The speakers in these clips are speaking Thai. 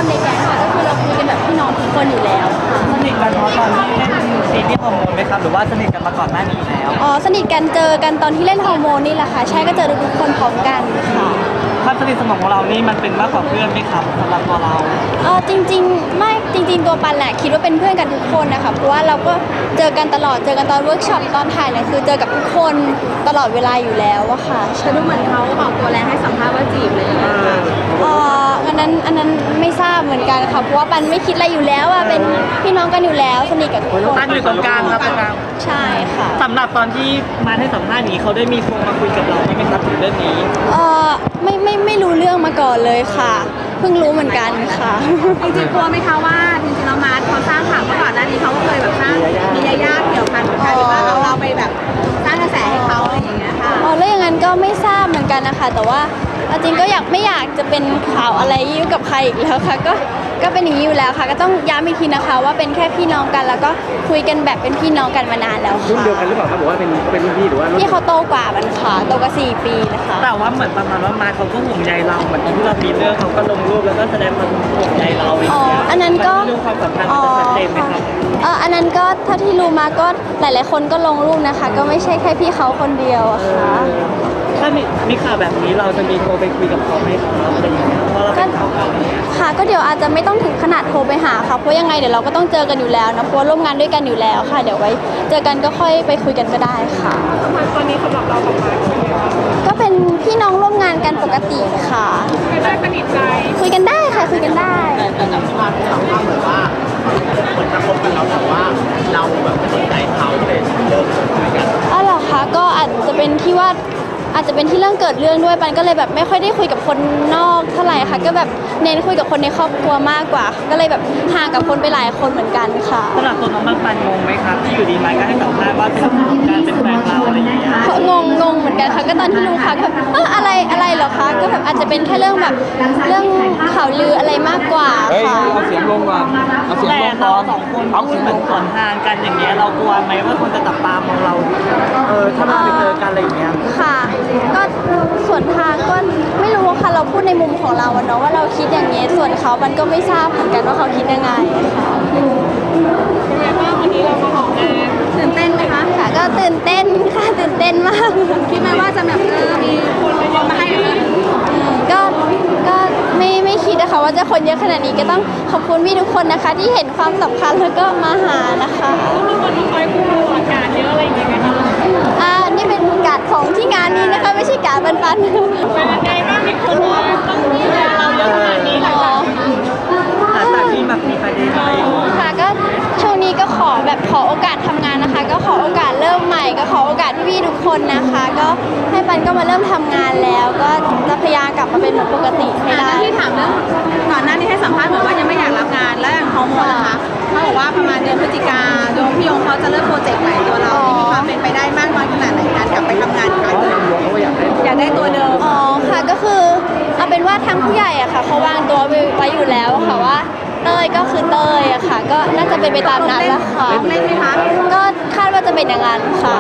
คนในแก๊งค่ะก็คือเราคุยกันแบบพี่น้องทุกคนอยู่แล้วค่ะสนิทกันเพราะตอนที่เล่นซีรีส์ฮอร์โมนไหมครับหรือว่าสนิทกันมาก่อนหน้านี้แล้วอ๋อสนิทกันเจอกันตอนที่เล่นฮอร์โมนนี่แหละค่ะใช่ก็เจอทุกคนพร้อมกันค่ะความสนิทสนมของเรานี่มันเป็นมากกว่าเพื่อนไหมครับสำหรับตัวเราจริงๆไม่จริงๆตัวปันแหละคิดว่าเป็นเพื่อนกันทุกคนนะคะเพราะว่าเราก็เจอกันตลอดเจอกันตอนเวิร์กช็อปตอนถ่ายเนี่ยคือเจอกับทุกคนตลอดเวลาอยู่แล้วอะค่ะแต่ดูเหมือนเขาออกตัวแรงให้สัมภาษณ์ว่าจีบเลยอันนั้นไม่ทราบเหมือนกันค่ะเพราะว่าปันไม่คิดอะไรอยู่แล้วอะเป็นพี่น้องกันอยู่แล้วสนิทกับทุกคนปันอยู่ตรงกลางครับตรงกลางใช่ค่ะสำหรับตอนที่มาให้สัมภาษณ์นี้เขาได้มีโทรมาคุยกับเราไหมครับถึงเรื่องนี้ไม่รู้เรื่องมาก่อนเลยค่ะเพิ่งรู้เหมือนกันค่ะจริงๆกลัวไหมคะว่าจริงๆแล้วมาร์ทเขาสร้างข่าวมาก่อนหน้านี้เขาก็เคยแบบสร้างมียาย่าเกี่ยวพันกลายเป็นว่าเราไปแบบสร้างกระแสให้เขาอะไรอย่างเงี้ยค่ะแล้วอย่างนั้นก็ไม่ทราบเหมือนกันนะคะแต่ว่าจริงก็ไม่อยากจะเป็นข่าวอะไรยุ่งกับใครอีกแล้วค่ะก็เป็นอย่างนี้อยู่แล้วค่ะก็ต้องย้ำอีกทีนะคะว่าเป็นแค่พี่น้องกันแล้วก็คุยกันแบบเป็นพี่น้องกันมานานแล้วค่ะรุ่นเดียวกันหรือเปล่าครับบอกว่าเป็นรุ่นพี่หรือว่าพี่เขาโตกว่ามันค่ะโตกว่า4 ปีนะคะแต่ว่าเหมือนประมาณว่ามาเขาก็ห่วงใยเราเหมือนตอนที่เรามีเรื่องเขาก็ลงรูปแล้วก็แสดงความห่วงใยเราอย่างเงี้ยอันนั้นก็เรื่องความสัมพันธ์มันจะชัดเจนไหมครับอันนั้นก็เท่าที่รู้มาก็หลายๆคนก็ลงรูปนะคะก็ไม่ใช่แค่พี่เขาคนเดียวอะค่ะถ้ามีข่าวแบบนี้เราจะมีโทรไปคุยกับเขาไหมครับอะไรอย่างเงี้ยเพราะเราเป็นเขาค่ะก็เดี๋ยวอาจจะไม่ต้องถึงขนาดโทรไปหาค่ะเพราะยังไงเดี๋ยวเราก็ต้องเจอกันอยู่แล้วนะเพราะร่วมงานด้วยกันอยู่แล้วค่ะเดี๋ยวไว้เจอกันก็ค่อยไปคุยกันก็ได้ค่ะตอนนี้สำหรับเรากับมาร์ทก็เป็นพี่น้องร่วมงานกันปกติค่ะคุยได้สนิทใจคุยกันได้ค่ะคุยกันได้แต่จากที่มาที่ถามว่าเหมือนว่าเหมือนจะคบกันแล้วแต่ว่าเราแบบสนใจเขาเลยเริ่มคุยกันเหรอคะก็อาจจะเป็นที่ว่าอาจจะเป็นที่เรื่องเกิดเรื่องด้วยปันก็เลยแบบไม่ค่อยได้คุยกับคนนอกเท่าไหร่ค่ะก็แบบเน้นคุยกับคนในครอบครัวมากกว่าก็เลยแบบห่างกับคนไปหลายคนเหมือนกันค่ะสำหรับตัวน้องปันงงไหมครับที่อยู่ดีมาก็ให้สัมภาษณ์ว่าเป็นการเป็นแฟนเราอะไรอย่างเงี้ยงงเหมือนกันค่ะก็ตอนที่รู้ค่ะก็อะไรเหรอคะก็แบบอาจจะเป็นแค่เรื่องแบบเรื่องข่าวลืออะไรมากกว่าค่ะเอาเสียงลงก่อนเอาเสียงลงก่อนแต่เรา2 คนพูดเหมือนสวนทางกันอย่างเงี้ยเรากลัวไหมว่าคนจะจับตามองเราถ้าเราไปเจอกันอะไรอย่างเงี้ยค่ะก็ส่วนทางก็ไม่รู้ค่ะเราพูดในมุมของเราเนาะว่าเราคิดอย่างนี้ส่วนเขามันก็ไม่ทราบเหมือนกันว่าเขาคิดยังไงค่ะเป็นไงบ้างวันนี้เรามาออกงานตื่นเต้นไหมคะค่ะก็ตื่นเต้นค่ะตื่นเต้นมากคิดไหมว่าจะแบบมีคนมาให้ก็ไม่คิดนะคะว่าจะคนเยอะขนาดนี้ก็ต้องขอบคุณพี่ทุกคนนะคะที่เห็นความสำคัญแล้วก็มาหานะคะมีคนคอยกู้อากาศเยอะอะไรอย่างเงี้ยกันนี่เป็นการ์ดของที่งานนี้นะคะไม่ใช่การ์ดปันเป็นยังไงบ้างมีคนต้องดูแลเราเยอะขนาดนี้หลังจากที่แบบมีประเด็นอะไรค่ะก็ช่วงนี้ก็ขอโอกาสทำงานนะคะก็ขอโอกาสเริ่มใหม่ก็ขอโอกาสพี่ๆทุกคนนะคะก็ให้ปันก็มาเริ่มทำงานแล้วก็จะพยายามกลับมาเป็นเหมือนปกติให้ได้ที่ถามเรื่องก่อนหน้านี้ให้สัมภาษณ์เหมือนว่ายังไม่อยากรับงานแล้วอย่างฮอร์โมนนะคะเขาบอกว่าประมาณเดือนพฤศจิกาโยมพี่ยงเขาจะเริ่มโปรเจกต์ใหม่ตัวเราที่มีความเป็นไปได้มากน้อยขนาดไหนการกลับไปทำงานอีกครั้งอยากได้ตัวเดิมค่ะก็คือเอาเป็นว่าทางผู้ใหญ่อะค่ะเขาวางตัวไว้อยู่แล้วค่ะว่าเต้ยก็คือเต้ยอะค่ะก็น่าจะเป็นไปตามนั้นแล้วค่ะเล่นไหมคะก็คาดว่าจะเป็นอย่างนั้นค่ะ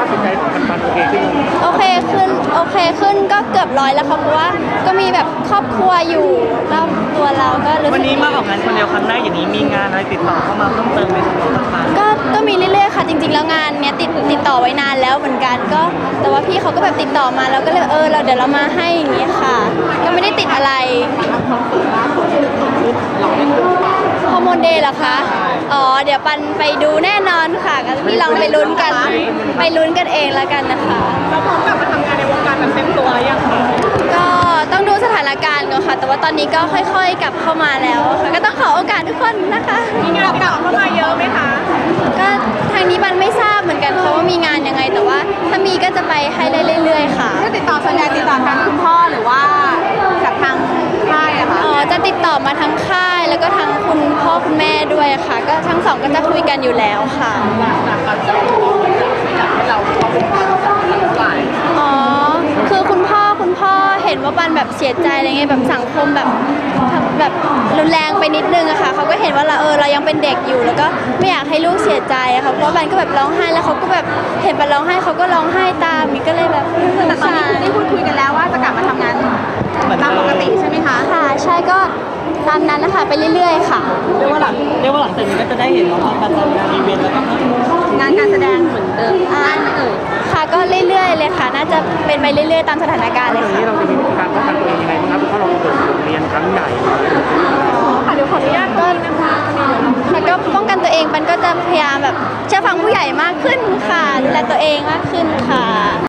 โอเคขึ้นก็เกือบ100แล้วค่ะเพราะว่าก็มีแบบครอบครัวอยู่รอบตัวเราก็รู้สึกวันนี้มาออกงานคนเดียวครั้งแรกอย่างนี้มีงานอะไรติดต่อเข้ามาเพิ่มเติมไหมครับก็มีเรื่อยๆค่ะจริงๆแล้วงานเนี้ยติดต่อไว้นานแล้วเหมือนกันก็แต่ว่าพี่เขาก็แบบติดต่อมาแล้วก็เลยเราเดี๋ยวเรามาให้อย่างนี้ค่ะก็ไม่ได้ติดอะไรฮอร์โมนเดย์เหรอคะเดี๋ยวปันไปดูแน่นอนค่ะก็พี่ลองไปลุ้นกันเองแล้วกันนะคะเราพร้อมกลับมาทำงานในวงการแบบเต็มตัวแล้วยังคะก็ต้องดูสถานการณ์ก่อนค่ะแต่ว่าตอนนี้ก็ค่อยๆกลับเข้ามาแล้วค่ะก็ต้องขอโอกาสทุกคนนะคะมีงานกลับเข้ามาเยอะไหมคะก็ทางนี้ปันไม่ทราบเหมือนกันค่ะว่ามีงานยังไงแต่ว่าถ้ามีก็จะไปให้เรื่อยๆค่ะก็ติดต่อส่วนใหญ่ติดต่อทางคุณพ่อหรือว่ากับทางค่ายอะคะจะติดต่อมาทั้งค่ายแล้วก็ทั้งคุณพ่อคุณแม่ด้วยค่ะก็ทั้งสองก็จะคุยกันอยู่แล้วค่ะคือคุณพ่อเห็นว่าปันแบบเสียใจอะไรเงี้ยแบบสังคมแบบรุนแรงไปนิดนึงอะค่ะเขาก็เห็นว่าเรายังเป็นเด็กอยู่แล้วก็ไม่อยากให้ลูกเสียใจอะค่ะเพราะปันก็แบบร้องไห้แล้วเขาก็แบบเห็นปันร้องไห้เขาก็ร้องไห้ตามนี่ก็เลยแบบแต่ตอนนี้ได้พูดคุยกันแล้วว่าจะกลับมาทำงานตามปกติใช่ไหมคะค่ะใช่ก็ตามนั้นนะคะไปเรื่อยๆค่ะเรียกว่าหลังจากนี้ก็จะได้เห็นน้องๆมาทำงานอีเวนต์แล้วก็งานการแสดงเหมือนเดิมได้ไหมเอ่ยค่ะก็เรื่อยๆเลยค่ะ น่าจะเป็นไปเรื่อยๆตามสถานการณ์เลยทีค่ะนี้เราจะมีวิธีการป้องกันตัวเองยังไงบ้างครับเพราะเราเปิดโรงเรียนครั้งใหญ่ค่ะเดี๋ยวขออนุญาตก็แล้วก็ป้องกันตัวเองมันก็จะพยายามแบบเชื่อฟังผู้ใหญ่มากขึ้นค่ะดูแลตัวเองมากขึ้นค่ะ